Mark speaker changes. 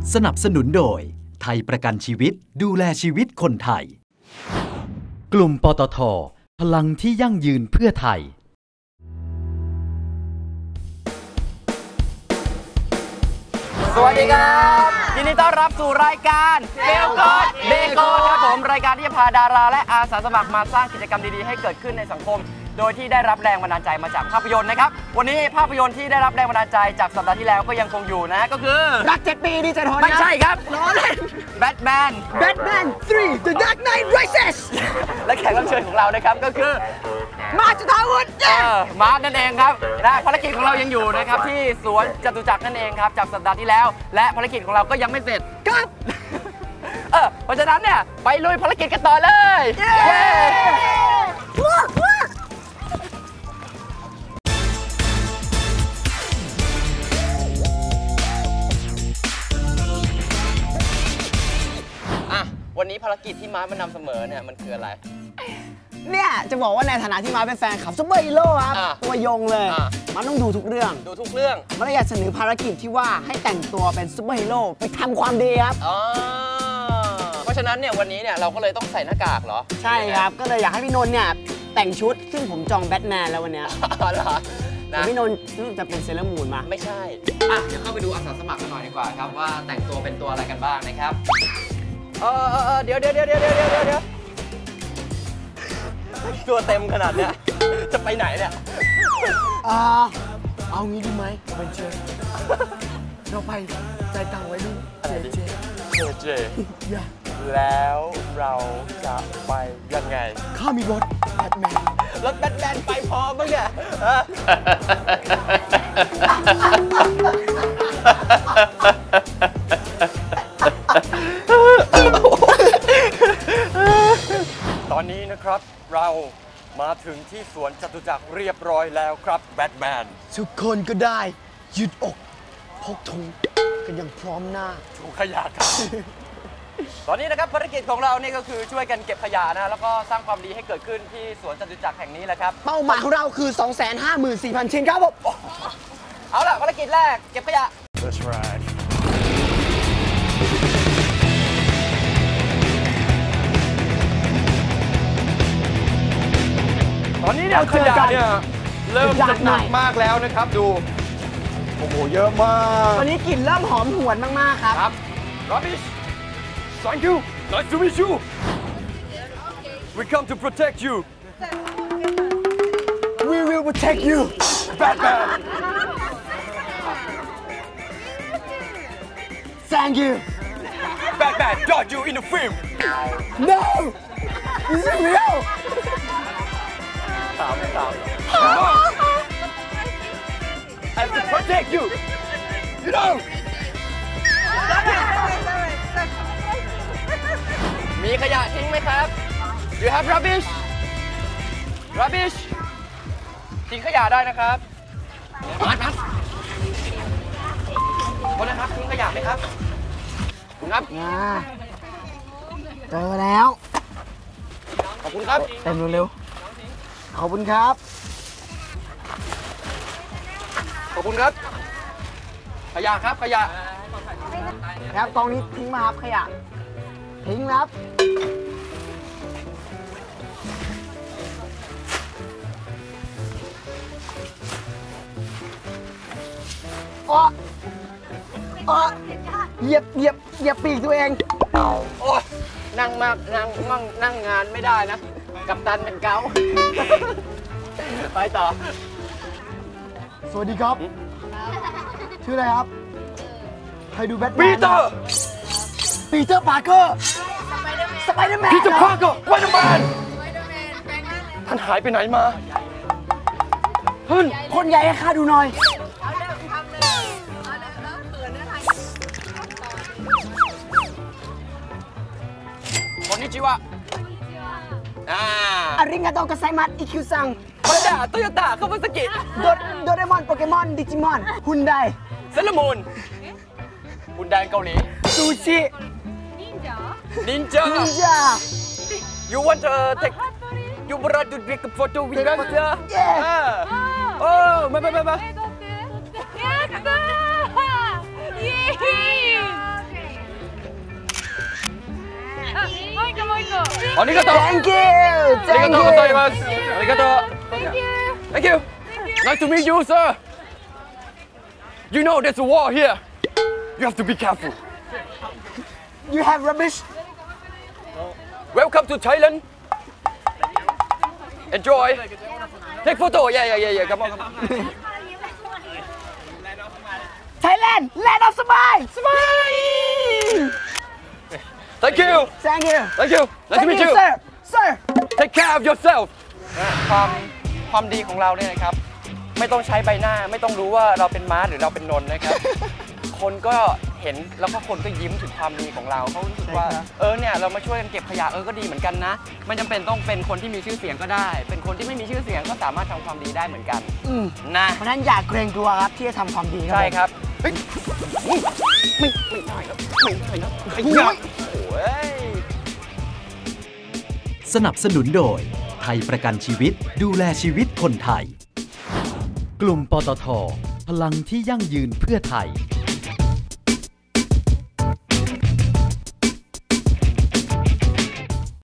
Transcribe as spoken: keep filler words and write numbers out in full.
Speaker 1: สนับสนุนโดยไทยประกันชีวิตดูแลชีวิตคนไทยกลุ่มปตท.พลังที่ยั่งยืนเพื่อไทย
Speaker 2: สวัสดีครับยินดีต้อนรับสู่รายการเฟลกอดเบโกนครับผมรายการที่จะพาดาราและอาสาสมัครมาสร้างกิจกรรมดีๆให้เกิดขึ้นในสังคมโดยที่ได้รับแรงบันดาลใจมาจากภาพยนตร์นะครับวันนี้ภาพยนตร์ที่ได้รับแรงบันดาลใจจากสัปดาห์ที่แล้วก็ยังคงอยู่นะก็คือ
Speaker 3: รักเจ็ดปีดีใจทน
Speaker 2: ไม่ใช่ครับ
Speaker 3: ล้อเล่น
Speaker 2: Batman
Speaker 3: Batman สาม The Dark Knight Rises
Speaker 2: และแขกรับเชิญของเรานะครับก็คือ
Speaker 3: มาร์ค จุฑาวุฒิ
Speaker 2: เออมาร์คนั่นเองครับและภารกิจของเรายังอยู่นะครับที่สวนจตุจักรนั่นเองครับจากสัปดาห์ที่แล้วและภารกิจของเราก็ยังไม่เสร็จ
Speaker 3: ครับ
Speaker 2: เออเพราะฉะนั้นเนี่ยไปลุยภารกิจกันต่อเลยเย้วันนี้ภารกิจที่มาร์คมานำเสมอเนี่ยมันคืออะไร
Speaker 3: เนี่ยจะบอกว่าในฐานะที่มาร์คเป็นแฟนคลับซุปเปอร์ฮีโร่ครับตัวยงเลยมาร์คต้องดูทุกเรื่อง
Speaker 2: ดูทุกเรื่อง
Speaker 3: มาร์คอยากเสนอภารกิจที่ว่าให้แต่งตัวเป็นซุปเปอร์ฮีโร่ไปทำความดีครับ
Speaker 2: อ๋อเพราะฉะนั้นเนี่ยวันนี้เนี่ยเราก็เลยต้องใส่หน้ากากเหรอ
Speaker 3: ใช่ครับก็เลยอยากให้พี่นนท์เนี่ยแต่งชุดซึ่งผมจองแบทแมนแล้ววันนี้
Speaker 2: อ๋อเหรอ
Speaker 3: นะพี่นนท์จะเป็นเซเลอร์มูนมา
Speaker 2: ไม่ใช่อ่ะเดี๋ยวเข้าไปดูอาสาสมัครกันหน่อยดีกว่าครับว่าแต่งตัวเป็นตัวอะไรกันบ้างนะครับเออเออเดี๋ยวเดี๋ยวเดี๋ยวเดี๋ยวเดี๋ยวเดี๋ยวตัวเต็มขนาดเนี้ยจะไปไหนเนี่ย
Speaker 3: อ่าเอางี้ดีไหมเป็นเชฟเราไปใจตังไว้ดูเจเจ
Speaker 2: เจเจแล้วเราจะไปยังไง
Speaker 3: ข้ามีรถแบทแมน
Speaker 2: รถแบทแมนไปพอมั้งเนี่ยตอนนี้นะครับเรามาถึงที่สวนจตุจักรเรียบร้อยแล้วครับแบทแมน
Speaker 3: ทุกคนก็ได้ยืดอกพกธงกันอย่างพร้อมหน้า
Speaker 2: ถุงขยะครับตอนนี้นะครับภารกิจของเรานี่ก็คือช่วยกันเก็บขยะนะแล้วก็สร้างความดีให้เกิดขึ้นที่สวนจตุจักรแห่งนี้แหละครับ
Speaker 3: เป้าหมายของเราคือ สองแสนห้าหมื่นสี่พัน ชิ้นครับผม
Speaker 2: เอาล่ะภารกิจแรกเก็บขยะ
Speaker 4: That's right
Speaker 2: ตอนนี้เนี่ยขยะเนี่ยเริ่มจะหนักมากแล้วนะครับดูโอ้โหเยอะมาก
Speaker 3: ตอนนี้กลิ่นเริ่มหอมหวนมากๆครับ
Speaker 2: ครับ Rubbish Thank you Nice to meet you We come to protect you
Speaker 3: We will protect you
Speaker 2: Batman
Speaker 3: Thank you
Speaker 2: Batman got you in the film
Speaker 3: No This is real
Speaker 2: I have to protect you. You know. มีขยะทิ้งไหมครับ You have rubbish. Rubbish. ทิ้งขยะได้นะครับมาครับคนนะครับทิ้งขยะไหมครับครับ
Speaker 3: เจอแล้ว
Speaker 2: ขอบคุณครับ
Speaker 3: เต็มเร็วขอบคุณครับ
Speaker 2: ขอบคุณครับขยะครับขยะ
Speaker 3: ครับกองนี้ทิ้งมาครับขยะทิ้งครับอ๋ออ๋อเหยียบเหยียบเหยียบปีกตัวเอง
Speaker 2: โอ้นั่งมากนั่งมั่งนั่งงานไม่ได้นะกัปตันเป็นเกาไปต่อ
Speaker 3: สวัสดีครับชื่ออะไรครับใครดูแบทแมน
Speaker 2: ปีเตอร์
Speaker 3: ปีเตอร์พาร์เกอร์สไปเดอร์แมน
Speaker 2: ปีเตอร์พาร์เกอร์สไปเดอร์แมนท่านหายไปไหนมาเฮ้ย
Speaker 3: คนใหญ่ให้ข้าดูหน่อย
Speaker 2: คนนี้ชื่อว่าอ่า
Speaker 3: อาริงาโตกัสไซมัสอีคิวซัง
Speaker 2: มาดาโตโยต้าคาวาซากิ
Speaker 3: โดเรมอนโปเกมอนดิจิมอนฮุนได
Speaker 2: เซเลมูนฮุนไดเกาหลี
Speaker 3: ซูชิ
Speaker 2: นินจา
Speaker 3: นินจา
Speaker 2: You want to take You want to take a photo with us?
Speaker 3: Yeah.
Speaker 2: Oh, ma ma ma ma.
Speaker 5: Yeah.
Speaker 2: ありがとう
Speaker 3: Thank you
Speaker 2: ありが
Speaker 3: Thank
Speaker 2: とうござい
Speaker 3: you
Speaker 2: ますありがとう Thank you Nice to meet you sir You know there's a war here You have to be careful
Speaker 3: You have rubbish
Speaker 2: Welcome to Thailand Enjoy Take photo Yeah yeah yeah yeah Come on come on
Speaker 3: Thailand Land of Smile Smile
Speaker 2: Thank you
Speaker 3: Thank you
Speaker 2: Thank you Nice to
Speaker 3: Thank
Speaker 2: meet
Speaker 3: you
Speaker 2: you
Speaker 3: sir sir
Speaker 2: Take care of yourself ความความดีของเราเนี่ยนะครับไม่ต้องใช้ใบหน้าไม่ต้องรู้ว่าเราเป็นม้าหรือเราเป็นนนท์นะครับ คนก็เห็นแล้วก็คนก็ยิ้มถึงความดีของเราเขารู้สึกว่าเออเนี่ยเรามาช่วยกันเก็บขยะเออก็ดีเหมือนกันนะไม่จำเป็นต้องเป็นคนที่มีชื่อเสียงก็ได้ เป็นคนที่ไม่มีชื่อเสียงก็สามารถทำความดีได้เหมือนกัน
Speaker 3: อืม
Speaker 2: นะ
Speaker 3: เพราะฉะนั้นอย่าเกรงกลัวครับที่จะทำความดี
Speaker 2: ใช่
Speaker 3: ผม
Speaker 2: ครับเฮ้ยไม่ไม่ไม่ได้ครับไม่ได้นะไอ้เหี้ยโอ้ย
Speaker 1: สนับสนุนโดยไทยประกันชีวิตดูแลชีวิตคนไทย กลุ่มปตท.พลังที่ยั่งยืนเพื่อไทย